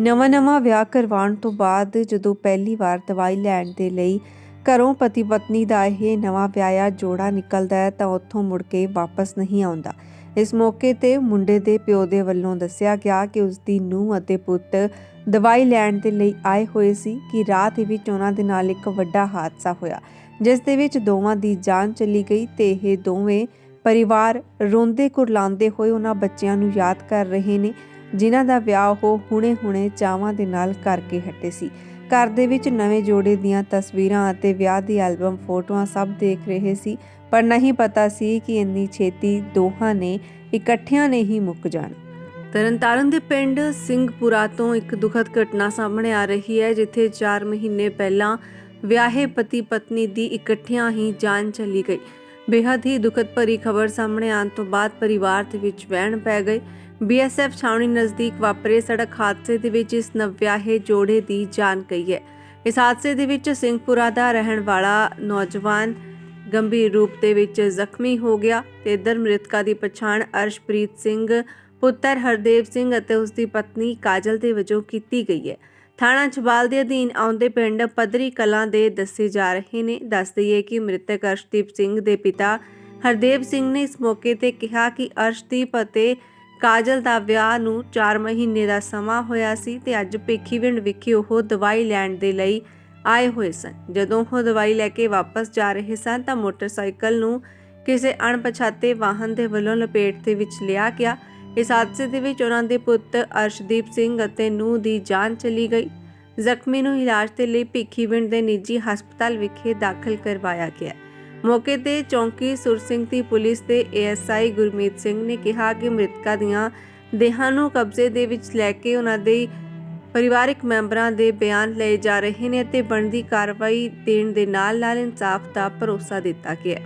ਨਵਾਂ ਵਿਆਹ ਕਰਵਾਉਣ ਤੋਂ ਬਾਅਦ ਜਦੋਂ ਪਹਿਲੀ ਵਾਰ ਦਵਾਈ ਲੈਣ ਦੇ ਲਈ ਘਰੋਂ ਪਤੀ ਪਤਨੀ ਦਾ ਇਹ ਨਵਾਂ ਵਿਆਹਿਆ ਜੋੜਾ ਨਿਕਲਦਾ ਹੈ ਤਾਂ ਉੱਥੋਂ ਮੁੜ ਕੇ ਵਾਪਸ ਨਹੀਂ ਆਉਂਦਾ। ਇਸ ਮੌਕੇ ਤੇ ਮੁੰਡੇ ਦੇ ਪਿਓ ਦੇ ਵੱਲੋਂ ਦੱਸਿਆ ਗਿਆ ਕਿ ਉਸ ਦੀ ਨੂੰਹ ਅਤੇ ਪੁੱਤ ਦਵਾਈ ਲੈਣ ਦੇ ਲਈ ਆਏ ਹੋਏ ਸੀ ਕਿ ਰਾਤ ਵਿੱਚ ਉਹਨਾਂ ਦੇ ਨਾਲ ਇੱਕ ਵੱਡਾ ਹਾਦਸਾ ਹੋਇਆ, ਜਿਸ ਦੇ ਵਿੱਚ ਦੋਵਾਂ ਦੀ ਜਾਨ ਚਲੀ ਗਈ ਤੇ ਇਹ ਦੋਵੇਂ ਪਰਿਵਾਰ ਰੋਂਦੇ ਕੁਰਲਾਉਂਦੇ ਹੋਏ ਉਹਨਾਂ ਬੱਚਿਆਂ ਨੂੰ ਯਾਦ ਕਰ ਰਹੇ ਨੇ ਜਿਨ੍ਹਾਂ ਦਾ ਵਿਆਹ ਉਹ ਹੁਣੇ ਚਾਵਾਂ ਦੇ ਨਾਲ ਕਰਕੇ ਹਟੇ ਸੀ। ਘਰ ਦੇ ਵਿੱਚ ਨਵੇਂ ਜੋੜੇ ਦੀਆਂ ਤਸਵੀਰਾਂ ਅਤੇ ਵਿਆਹ ਦੀ ਐਲਬਮ ਫੋਟੋਆਂ ਸਭ ਦੇਖ ਰਹੇ ਸੀ, ਪਰ ਨਹੀਂ ਪਤਾ ਸੀ ਕਿ ਇੰਨੀ ਛੇਤੀ ਦੋਹਾਂ ਨੇ ਇਕੱਠਿਆਂ ਨੇ ਹੀ ਮੁੱਕ ਜਾਣਾ। ਤਰਨਤਾਰਨ ਦੇ ਪਿੰਡ ਸਿੰਘਪੁਰਾ ਤੋਂ ਇੱਕ ਦੁਖਦ ਘਟਨਾ ਸਾਹਮਣੇ ਆ ਰਹੀ ਹੈ, ਜਿੱਥੇ 4 ਮਹੀਨੇ ਪਹਿਲਾਂ ਵਿਆਹੇ ਪਤੀ ਪਤਨੀ ਦੀ ਇਕੱਠਿਆਂ ਹੀ ਜਾਨ ਚਲੀ ਗਈ। ਬੇहद ਹੀ ਦੁਖਦ ਭਰੀ ਖਬਰ ਸਾਹਮਣੇ ਆਉਣ ਤੋਂ ਬਾਅਦ ਪਰਿਵਾਰ ਦੇ ਵਿੱਚ ਵਹਿਣ ਪੈ ਗਏ। BSF ਛਾਉਣੀ ਨਜ਼ਦੀਕ ਵਾਪਰੇ ਸੜਕ ਹਾਦਸੇ ਦੇ ਵਿੱਚ ਇਸ ਨਵਵਿਆਹੇ ਜੋੜੇ ਦੀ ਜਾਨ ਗਈ ਹੈ। ਇਸ ਹਾਦਸੇ ਦੇ ਵਿੱਚ ਸਿੰਘਪੁਰਾ ਦਾ ਰਹਿਣ ਵਾਲਾ ਨੌਜਵਾਨ ਗੰਭੀਰ ਰੂਪ ਦੇ ਵਿੱਚ ਜ਼ਖਮੀ ਹੋ ਗਿਆ ਤੇ ਇਧਰ ਮ੍ਰਿਤਕਾ ਦੀ ਪਛਾਣ ਅਰਸ਼ਪ੍ਰੀਤ ਸਿੰਘ ਪੁੱਤਰ ਹਰਦੇਵ ਸਿੰਘ ਅਤੇ ਉਸ ਦੀ ਪਤਨੀ ਕਾਜਲ ਦੇ ਵਜੋਂ ਕੀਤੀ ਗਈ ਹੈ। ਥਾਣਾ ਛਬਾਲ ਦੇ ਅਧੀਨ ਆਉਂਦੇ ਪਿੰਡ ਪੱਧਰੀ ਕਲਾਂ ਦੇ ਦੱਸੇ ਜਾ ਰਹੇ ਨੇ। ਦੱਸ ਦਈਏ ਕਿ ਮ੍ਰਿਤਕ ਅਰਸ਼ਦੀਪ ਸਿੰਘ ਦੇ ਪਿਤਾ ਹਰਦੇਵ ਸਿੰਘ ਨੇ ਇਸ ਮੌਕੇ ਤੇ ਕਿਹਾ ਕਿ ਅਰਸ਼ਦੀਪ ਅਤੇ ਕਾਜਲ ਦਾ ਵਿਆਹ ਨੂੰ 4 ਮਹੀਨੇ ਦਾ ਸਮਾਂ ਹੋਇਆ ਸੀ ਤੇ ਅੱਜ ਭਿੱਖੀਵਿੰਡ ਵਿਖੇ ਉਹ ਦਵਾਈ ਲੈਣ ਦੇ ਲਈ ਆਏ ਹੋਏ ਸਨ। ਜਦੋਂ ਉਹ ਦਵਾਈ ਲੈ ਕੇ ਵਾਪਸ ਜਾ ਰਹੇ ਸਨ ਤਾਂ ਮੋਟਰਸਾਈਕਲ ਨੂੰ ਕਿਸੇ ਅਣਪਛਾਤੇ ਵਾਹਨ ਦੇ ਵੱਲੋਂ ਲਪੇਟ ਦੇ ਵਿੱਚ ਲਿਆ ਗਿਆ। ਇਸ ਹਾਦਸੇ ਦੇ ਵਿੱਚ ਉਹਨਾਂ ਦੇ ਪੁੱਤ ਅਰਸ਼ਦੀਪ ਸਿੰਘ ਅਤੇ ਨੂੰਹ ਦੀ ਜਾਨ ਚਲੀ ਗਈ। ਜ਼ਖਮੀ ਨੂੰ ਇਲਾਜ ਦੇ ਲਈ ਭਿੱਖੀਵਿੰਡ ਦੇ ਨਿੱਜੀ ਹਸਪਤਾਲ ਵਿਖੇ ਦਾਖਲ ਕਰਵਾਇਆ ਗਿਆ। ਮੌਕੇ ਤੇ ਚੌਂਕੀ ਸੁਰ ਸਿੰਘ ਦੀ ਪੁਲਿਸ ਦੇ ASI ਗੁਰਮੀਤ ਸਿੰਘ ਨੇ ਕਿਹਾ ਕਿ ਮ੍ਰਿਤਕਾ ਦੀਆਂ ਦੇਹਾਂ ਨੂੰ ਕਬਜ਼ੇ ਦੇ ਵਿੱਚ ਲੈ ਕੇ ਉਹਨਾਂ ਦੇ ਪਰਿਵਾਰਕ ਮੈਂਬਰਾਂ ਦੇ ਬਿਆਨ ਲਏ ਜਾ ਰਹੇ ਨੇ ਅਤੇ ਬਣਦੀ ਕਾਰਵਾਈ ਦੇਣ ਦੇ ਨਾਲ ਇਨਸਾਫ ਦਾ ਭਰੋਸਾ ਦਿੱਤਾ ਗਿਆ।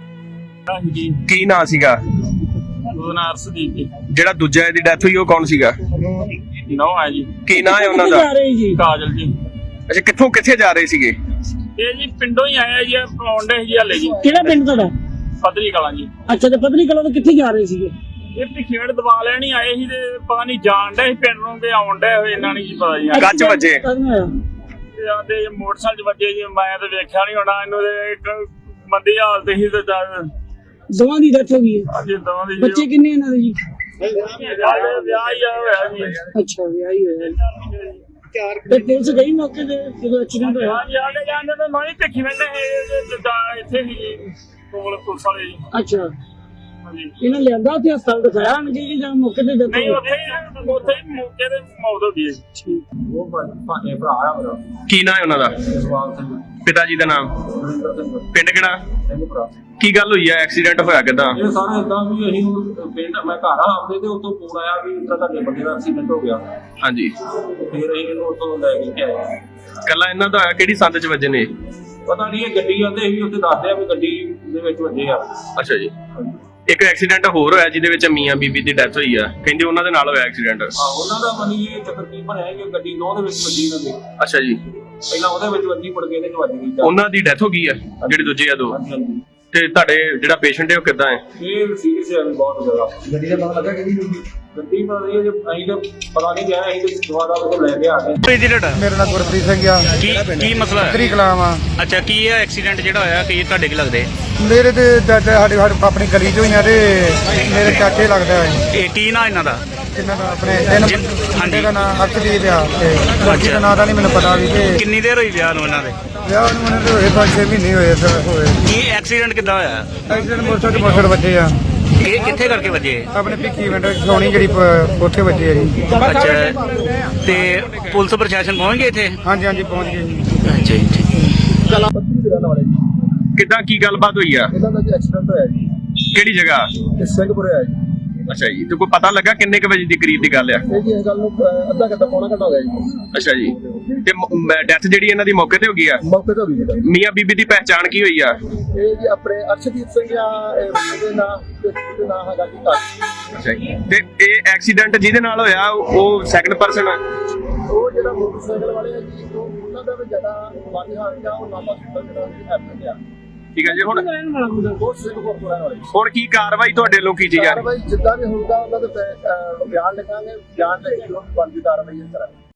ਕੀ ਨਾਂ ਸੀਗਾ ਜਿਹੜਾ ਦੂਜਾ ਇਹਦੀ ਡੈਥ ਹੋਈ, ਉਹ ਕੌਣ ਸੀਗਾ? ਨੋ ਹੈ ਜੀ। ਕੀ ਨਾਂ ਹੈ ਉਹਨਾਂ ਦਾ? ਕਾਜਲ ਜੀ। ਅੱਛਾ, ਕਿੱਥੇ ਜਾ ਰਹੇ ਸੀਗੇ? ਇਹ ਜੀ ਪਿੰਡੋਂ ਹੀ ਆਇਆ ਜੀ, ਆਉਂਦੇ ਜੀ ਹਲੇ ਜੀ। ਕਿਹੜਾ ਪਿੰਡ ਤੁਹਾਡਾ? ਪੱਧਰੀ ਕਲਾਂ ਜੀ। ਅੱਛਾ, ਤੇ ਪੱਧਰੀ ਕਲਾਂ ਤੋਂ ਕਿੱਥੇ ਜਾ ਰਹੇ ਸੀਗੇ? ਇਹ ਭਿੱਖੀਵਿੰਡ ਦਵਾ ਲੈਣ ਹੀ ਆਏ ਸੀ ਤੇ ਪਤਾ ਨਹੀਂ ਜਾਣ ਡੇ ਪਿੰਡ ਨੂੰ ਤੇ ਆਉਣ ਡੇ ਹੋਏ, ਇਹਨਾਂ ਨਹੀਂ ਜੀ ਪਤਾ ਜੀ। ਗੱਜ ਵੱਜੇ ਤੇ ਆਂਦੇ ਮੋਟਰਸਾਈਕਲ ਵੱਜੇ ਜੀ, ਮੈਂ ਤਾਂ ਵੇਖਿਆ ਨਹੀਂ ਹੋਣਾ ਇਹਨੂੰ, ਤੇ ਇੱਕ ਮੰਦੀ ਹਾਲਤ ਸੀ ਤੇ ਦੋਵਾਂ ਦੀ ਡੈਥ ਹੋ ਗਈ ਹੈ। ਹਾਂਜੀ, ਦੋਵਾਂ ਦੀ। ਬੱਚੇ ਕਿੰਨੇ ਇਹਨਾਂ ਦੇ ਜੀ? ਵਿਆਹ ਹੀ ਹੋਇਆ ਜੀ। ਅੱਛਾ, ਵਿਆਹ ਹੀ ਹੋਇਆ। ਤੇ ਪੁਲਿਸ ਗਈ ਮੌਕੇ ਤੇ ਜਦੋਂ ਐਕਸੀਡੈਂਟ ਹੋਇਆ? ਹਾਂਜੀ, ਆਂਦੇ ਜਾਂਦੇ ਤਾਂ ਮੈਂ ਭਿੱਖੀਵਿੰਡ ਇੱਥੇ ਸੀ ਜੀ ਕੋਲ ਪੁਲਿਸ ਵਾਲੇ ਜੀ। ਅੱਛਾ, ਹਾਂਜੀ। ਇਹਨਾਂ ਲਿਆਂਦਾ ਉੱਥੇ ਹਸਪਤਾਲ ਦਿਖਾਇਆ ਨਹੀਂ ਕਿ ਜਾਂ ਮੌਕੇ ਤੇ ਨਹੀਂ, ਉੱਥੇ ਹੀ ਮੌਕੇ ਤੇ ਮੌਤ ਹੋ ਗਈ ਹੈ। ਠੀਕ। ਉਹ ਭਾਣੇ ਭਰਾ ਆ ਮੇਰਾ। ਕੀ ਨਾਂ ਹੈ ਉਹਨਾਂ ਦਾ? ਜਸਵਾਲ ਸਿੰਘ। ਪਿਤਾ ਜੀ ਦਾ ਨਾਮ? ਪਿੰਡ ਕਿਹੜਾ? ਭਰਾ। ਕੀ ਗੱਲ ਹੋਈ ਹੈ? ਐਕਸੀਡੈਂਟ ਹੋਇਆ ਕਿਦਾਂ? ਇਹ ਸਾਰਾ ਇਦਾਂ ਵੀ ਅਸੀਂ ਪਿੰਡ, ਮੈਂ ਘਰ ਆ ਆਪਦੇ ਤੇ ਉੱਥੋਂ ਫੋਨ ਆਇਆ ਵੀ ਇਦਾਂ ਤੁਹਾਡੇ ਬੰਦੇ ਦਾ ਐਕਸੀਡੈਂਟ ਹੋ ਗਿਆ। ਹਾਂਜੀ। ਫਿਰ ਅਸੀਂ ਇਹਨੂੰ ਉੱਥੋਂ ਲੈ ਕੇ ਆਏ। ਕੱਲਾ ਇਹਨਾਂ ਦਾ ਹੋਇਆ? ਕਿਹੜੀ ਸੰਦ 'ਚ ਵੱਜੇ ਨੇ? ਪਤਾ ਨਹੀਂ, ਇਹ ਗੱਡੀ ਆਉਂਦੇ ਸੀ ਉੱਥੇ ਦੱਸਦੇ ਆ ਵੀ ਗੱਡੀ ਦੇ ਵਿੱਚ ਵੱਜੇ ਆ। ਅੱਛਾ ਜੀ। ਇੱਕ ਐਕਸੀਡੈਂਟ ਹੋਰ ਹੋਇਆ ਜਿਹਦੇ ਵਿੱਚ ਮੀਆਂ ਬੀਬੀ ਦੀ ਡੈਥ ਹੋਈ ਆ, ਕਹਿੰਦੇ ਉਹਨਾਂ ਦੇ ਨਾਲ ਹੋਇਆ ਐਕਸੀਡੈਂਟ। ਉਹਨਾਂ ਦਾ ਮਨੀ ਇਹ ਚੱਕਰ ਕੀ ਬਣਿਆ ਕਿ ਗੱਡੀ ਨੌ ਦੇ ਵਿੱਚ ਵੱਜੀ ਇਹਨਾਂ ਦੇ। ਅੱਛਾ ਜੀ। ਪਹਿਲਾਂ ਉਹਦੇ ਵਿੱਚ ਵੱਜੀ, ਮੁੜ ਕੇ ਇਹਦੇ ਚ ਵੱਜ ਗਈ। ਉਹਨਾਂ ਦੀ ਡੈਥ ਹੋ ਗਈ ਆ ਜਿਹੜੇ ਦੂਜੇ ਆ ਦੋ? ਹਾਂਜੀ। ਤੇ ਤੁਹਾਡੇ ਜਿਹੜਾ ਪੇਸ਼ੈਂਟ ਹੈ ਉਹ ਕਿੱਦਾਂ ਹੈ? ਇਹ ਸੀਰੀਅਸ ਹੈ ਬਹੁਤ ਜ਼ਿਆਦਾ। ਗੱਡੀ ਦਾ ਪਤਾ ਲੱਗਾ ਕਿ ਗੱਡੀ ਪਤਾ ਨਹੀਂ, ਅਸੀਂ ਤਾਂ ਪਤਾ ਨਹੀਂ ਗਿਆ, ਅਸੀਂ ਤਾਂ ਦੁਬਾਰਾ ਉਹ ਲੈ ਕੇ ਆ ਗਏ। ਮੇਰਾ ਨਾਮ ਗੁਰਪ੍ਰੀਤ ਸਿੰਘ ਆ। ਕੀ ਮਸਲਾ ਹੈ? ਪੱਧਰੀ ਕਲਾਂ ਆ। ਅੱਛਾ, ਕੀ ਹੈ ਐਕਸੀਡੈਂਟ ਜਿਹੜਾ ਹੋਇਆ? ਕੀ ਤੁਹਾਡੇ ਕੀ ਲੱਗਦੇ? ਮੇਰੇ ਤੇ ਚਾਚਾ ਸਾਡੇ ਆਪਣੀ ਗਲੀ ਚੋਂ ਹੀ ਆ ਤੇ ਮੇਰੇ ਚਾਚੇ ਲੱਗਦਾ ਹੈ। ਇਹ ਕੀ ਨਾਂ ਇਹਨਾਂ ਦਾ? ਇਹਨਾਂ ਦਾ ਆਪਣੇ ਮੁੰਡੇ ਦਾ ਨਾਮ ਅਰਸ਼ਦੀਪ ਆ ਤੇ ਬਾਕੀ ਦਾ ਨਾਂ ਦਾ ਨਹੀਂ ਮੈਨੂੰ ਪਤਾ ਵੀ। ਤੇ ਕਿੰਨੀ ਦੇਰ ਹੋਈ ਵਿਆਹ ਨੂੰ ਇਹਨਾਂ ਦੇ? ਵਿਆਹ ਨੂੰ ਉਹਨਾਂ ਦੇ ਹੋਏ 5-6 ਮਹੀਨੇ ਹੋਏ ਸਰ। ਹੋਏ ਕੀ ਐਕਸੀਡੈਂਟ ਕਿੱਦਾਂ ਹੋਇਆ? ਐਕਸੀਡੈਂਟ ਮੋਟਰਸਾਈਕਲ ਵੱਜੇ ਆ। ਇਹ ਕਿੱਥੇ ਕਰਕੇ ਵੱਜੇ? ਆਪਣੇ ਭਿੱਖੀਵਿੰਡ ਛਾਉਣੀ ਜਿਹੜੀ ਉੱਥੇ ਵੱਜੇ ਆ ਜੀ। ਅੱਛਾ, ਤੇ ਪੁਲਿਸ ਪ੍ਰਸ਼ਾਸਨ ਪਹੁੰਚ ਗਏ ਇੱਥੇ? ਹਾਂਜੀ ਪਹੁੰਚ ਗਏ ਜੀ। ਅੱਛਾ ਜੀ। ਕਿੱਦਾਂ, ਕੀ ਗੱਲਬਾਤ ਹੋਈ ਆ? ਇਹਨਾਂ ਦਾ ਐਕਸੀਡੈਂਟ ਹੋਇਆ ਜੀ। ਕਿਹੜੀ ਜਗ੍ਹਾ? ਸਿੰਘਪੁਰੇ ਆ ਜੀ। ਅੱਛਾ ਜੀ। ਤੇ ਕੋਈ ਪਤਾ ਲੱਗਾ ਕਿੰਨੇ ਕੁ ਵਜੇ ਦੀ ਕਰੀਬ ਦੀ ਗੱਲ ਆ? ਇਹ ਜੀ ਇਸ ਗੱਲ ਨੂੰ ਅੱਧਾ ਘੰਟਾ ਪੌਣਾ ਘੰਟਾ ਹੋ ਗਿਆ ਜੀ। ਅੱਛਾ ਜੀ। ਤੇ ਡੈਥ ਜਿਹੜੀ ਇਹਨਾਂ ਦੀ ਮੌਕੇ ਤੇ ਹੋ ਗਈ ਆ? ਮੌਕੇ ਤੇ ਹੋ ਗਈ। ਮੀਆਂ ਬੀਬੀ ਦੀ ਪਹਿਚਾਣ ਕੀ ਹੋਈ ਆ? ਇਹ ਜੀ ਆਪਣੇ ਅਰਸ਼ਦੀਪ ਸਿੰਘ ਆ, ਇਹਦੇ ਨਾਂ ਹੈਗਾ ਜੀ ਕਾਜਲ। ਅੱਛਾ ਜੀ। ਤੇ ਇਹ ਐਕਸੀਡੈਂਟ ਜਿਹਦੇ ਨਾਲ ਹੋਇਆ ਉਹ ਸੈਕੰਡ ਪਰਸਨ ਆ? ਉਹ ਜਿਹੜਾ ਮੋਟਰਸਾਈਕਲ ਵਾਲੇ ਆ ਜੀ, ਉਹਨਾਂ ਦਾ ਵੀ ਜ਼ਿਆਦਾ ਮਾਨੀ ਹਾਲ ਆ, ਉਹ ਨਾਮਾ ਸੁਣਦਾ ਜਿਹੜਾ ਐਕਸੀਡੈਂਟ ਆ। ਠੀਕ ਹੈ ਜੀ। ਹੁਣ ਬਹੁਤ ਸਿੰਘਪੁਰ ਤੋਂ ਰਹਿਣ ਵਾਲੇ। ਹੁਣ ਕੀ ਕਾਰਵਾਈ ਤੁਹਾਡੇ ਵੱਲੋਂ ਕੀਤੀ ਜਾ ਰਹੀ? ਕਾਰਵਾਈ ਜਿੱਦਾਂ ਵੀ ਹੋਊਗਾ ਉਹਨਾਂ ਦੇ ਬਿਆਨ ਲਿਖਾਂਗੇ, ਬਿਆਨ ਲੈ ਕੇ ਜੋ ਬਣਦੀ ਕਾਰਵਾਈ ਕਰਾਂਗੇ।